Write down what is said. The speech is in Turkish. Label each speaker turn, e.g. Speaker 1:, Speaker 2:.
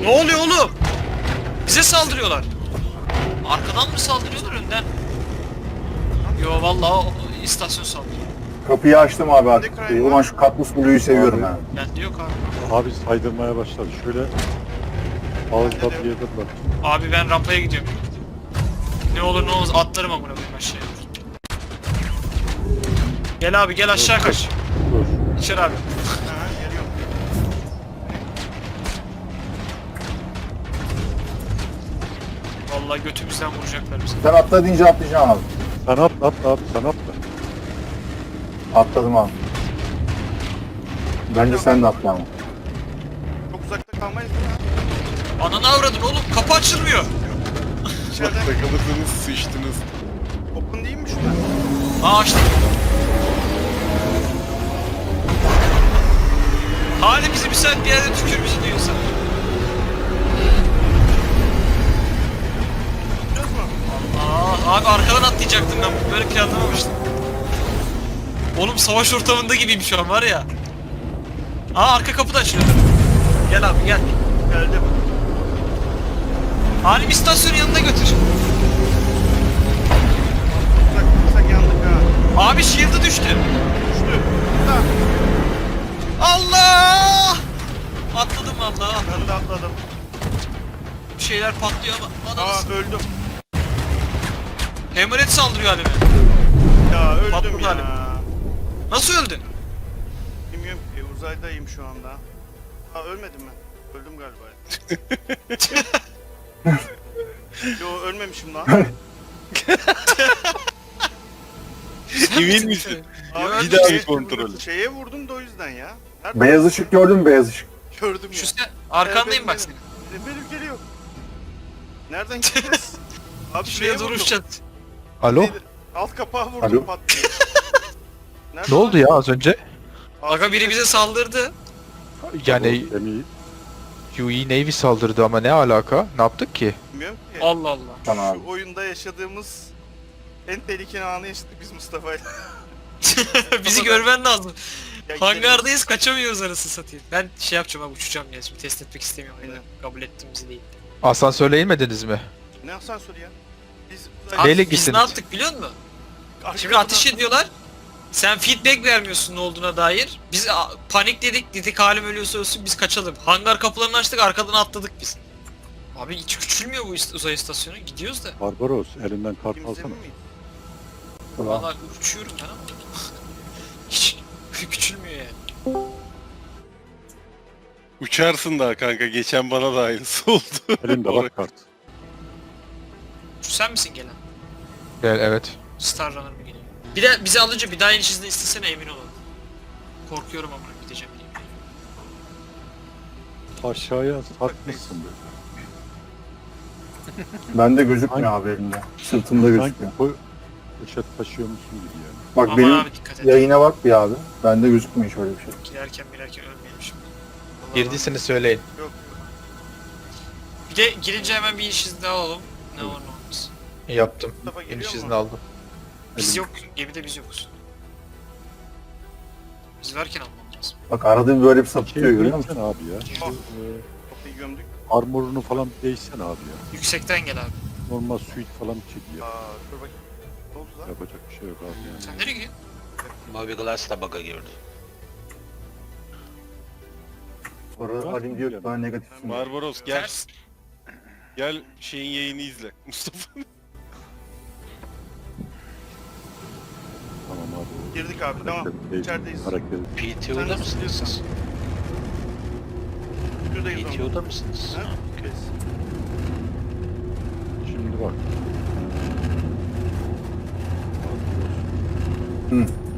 Speaker 1: oluyor oğlum? Bize saldırıyorlar. Arkadan mı saldırıyorlar önden? Yo vallahi o istasyon saldırıyor.
Speaker 2: Kapıyı açtım abi artık. Ulan şu Katmus Blue'yu seviyorum ha.
Speaker 1: Bende yok abi.
Speaker 3: Abi saydırmaya başladı. Şöyle ağızda bir yerde bak.
Speaker 1: Abi ben rampaya gidiyorum. Ne olur ne olmaz atlarım amına koyayım aşağıya. Gel abi gel aşağı kaç.
Speaker 3: Dur.
Speaker 1: İçeri abi. Vallahi götümüzden vuracaklar bizi.
Speaker 2: Sen atla deyince atlayacağım abi.
Speaker 3: Sen atla abi sen atla.
Speaker 2: Atladım abi. Bence sen de atla ama.
Speaker 4: Çok uzakta kalmayız değil mi?
Speaker 1: Ananı avradın oğlum kapı açılmıyor.
Speaker 4: İçeriden
Speaker 5: Takıldınız, sıçtınız.
Speaker 4: open değil mi şurada?
Speaker 1: Aa açtık. Hali bizi bir saat bir yerde tükür bizi diyorsa.
Speaker 4: Biliyoruz mu?
Speaker 1: Aa abi arkadan atlayacaktım ben böyle planlamamıştım. Oğlum savaş ortamında gibiyim şu an var ya. Aa arka kapı da açılıyor. Gel abi gel.
Speaker 4: Geldim.
Speaker 1: Halim istasyonun yanına götür.
Speaker 4: Uzak yandık ha.
Speaker 1: Abi shield'ı düştü.
Speaker 4: Düştü. Da.
Speaker 1: Allah! Atladım vallahi.
Speaker 4: Ben de atladım.
Speaker 1: Bir şeyler patlıyor ama.
Speaker 4: Aa öldüm.
Speaker 1: Hammerhead saldırıyor halime.
Speaker 4: Ya öldüm
Speaker 1: Patladı
Speaker 4: ya.
Speaker 1: halim. Nasıl öldün?
Speaker 4: Bilmiyorum ki uzaydayım şu anda. Ha ölmedim ben. Öldüm galiba. Yo ölmemişim lan.
Speaker 5: Emin misin?
Speaker 4: Abi,
Speaker 5: Bir daha
Speaker 4: şeye-
Speaker 5: bir kontrol.
Speaker 4: Şeye vurdum da o yüzden ya. Nerede?
Speaker 2: Beyaz ışık gördün mü beyaz ışık?
Speaker 4: Gördüm
Speaker 1: Şu
Speaker 4: ya.
Speaker 1: sen arkandayım bak
Speaker 4: Benim-
Speaker 1: senin.
Speaker 4: Benim geliyor. Nereden gideceğiz? Abi
Speaker 1: Şuraya
Speaker 4: vurdum.
Speaker 1: duruşacağız.
Speaker 6: Alo?
Speaker 4: Neydi? Alt kapağı vurdum
Speaker 2: Alo?
Speaker 4: pat diye. Nerede
Speaker 6: Ne oldu
Speaker 4: lan?
Speaker 6: ya az önce?
Speaker 1: Aga biri bize saldırdı.
Speaker 6: Yani
Speaker 3: Gemiyi
Speaker 6: UE Navy saldırdı ama ne alaka? Ne yaptık ki?
Speaker 4: Bilmiyorum ki.
Speaker 1: Allah Allah.
Speaker 2: Tamam abi.
Speaker 4: Şu oyunda yaşadığımız en tehlikeli anı yaşadık biz Mustafa'yla.
Speaker 1: Bizi görmen lazım.
Speaker 4: Ya gidelim.
Speaker 1: Hangardayız kaçamıyoruz arası satayım. Ben şey yapacağım abi uçacağım ya şimdi test etmek istemiyorum.
Speaker 4: Aynen.
Speaker 1: Kabul ettim bizi değil.
Speaker 6: Asansörle inmediniz mi?
Speaker 4: Ne asansörü ya? Biz
Speaker 1: Abi
Speaker 6: Neyle
Speaker 1: biz
Speaker 6: gittiniz?
Speaker 1: ne yaptık biliyor musun? Şimdi ateş ediyorlar. Sen feedback vermiyorsun ne olduğuna dair. Biz panikledik, dedik halim ölüyorsa ölsün biz kaçalım. Hangar kapılarını açtık arkadan atladık biz. Abi hiç küçülmüyor bu uzay istasyonu. Gidiyoruz da.
Speaker 3: Barbaros elinden kart
Speaker 4: Kimse
Speaker 3: alsana.
Speaker 4: mi?
Speaker 1: Valla uçuyorum ben ama. Hiç küçülmüyor yani.
Speaker 5: Uçarsın daha kanka. Geçen bana da aynısı oldu.
Speaker 3: Elinde bak kart.
Speaker 1: Şu sen misin gelen?
Speaker 6: Evet.
Speaker 1: Star Runner mı geliyor? Bir de bizi alınca bir daha iniş izni istesene emin olalım. Korkuyorum ama gideceğim diye.
Speaker 3: Aşağıya sarkmışsın böyle.
Speaker 2: Bende gözükmüyor abi elimde. Sırtımda
Speaker 3: Sanki
Speaker 2: gözüküyor.
Speaker 3: poşet taşıyormuşsun gibi yani.
Speaker 2: Bak
Speaker 1: Aman
Speaker 2: benim
Speaker 1: abi dikkat et.
Speaker 2: yayına bak bir abi. Bende gözükmüyor şöyle bir şey.
Speaker 1: Girerken ölmeyelim şimdi.
Speaker 6: Girdiyseniz söyleyin.
Speaker 4: Yok.
Speaker 1: Bir de girince hemen bir iniş izni daha alalım. Ne olur ne olmaz.
Speaker 6: Yaptım.
Speaker 4: Mustafa geliyor
Speaker 6: İniş
Speaker 4: mu?
Speaker 6: izni aldım.
Speaker 1: Biz
Speaker 3: Elim-
Speaker 1: yok, gemide biz yokuz. Biz varken almam lazım.
Speaker 2: Bak arada bir böyle bir
Speaker 3: Şey
Speaker 2: sapıtıyor görüyor musun?
Speaker 3: değişsene abi ya. Şu,
Speaker 4: Ah. Kapıyı gömdük.
Speaker 3: armorunu falan değişsene abi ya.
Speaker 1: Yüksekten gel abi.
Speaker 3: Normal suit falan çek ya.
Speaker 4: Aa dur bakayım. Ne oldu lan?
Speaker 3: Yapacak bir şey yok abi yani.
Speaker 1: Sen nereye gidiyorsun?
Speaker 7: Moby Glass da bug'a girdi.
Speaker 2: Sonra Halim diyor ki bana negatifsin.
Speaker 5: Barbaros gel.
Speaker 1: Ters.
Speaker 5: Gel şeyin yayını izle. Mustafa.
Speaker 3: Tamam abi.
Speaker 4: Girdik abi tamam.
Speaker 3: Değil,
Speaker 4: İçerideyiz.
Speaker 3: Hareket.
Speaker 7: PTO'da
Speaker 4: Sen
Speaker 7: mısınız
Speaker 4: nasıl
Speaker 7: siz?
Speaker 4: Şuradayız ama.
Speaker 7: PTO'da mısınız?
Speaker 4: Ha?
Speaker 7: Ha, okey.
Speaker 3: Şimdi bak.
Speaker 2: Hı.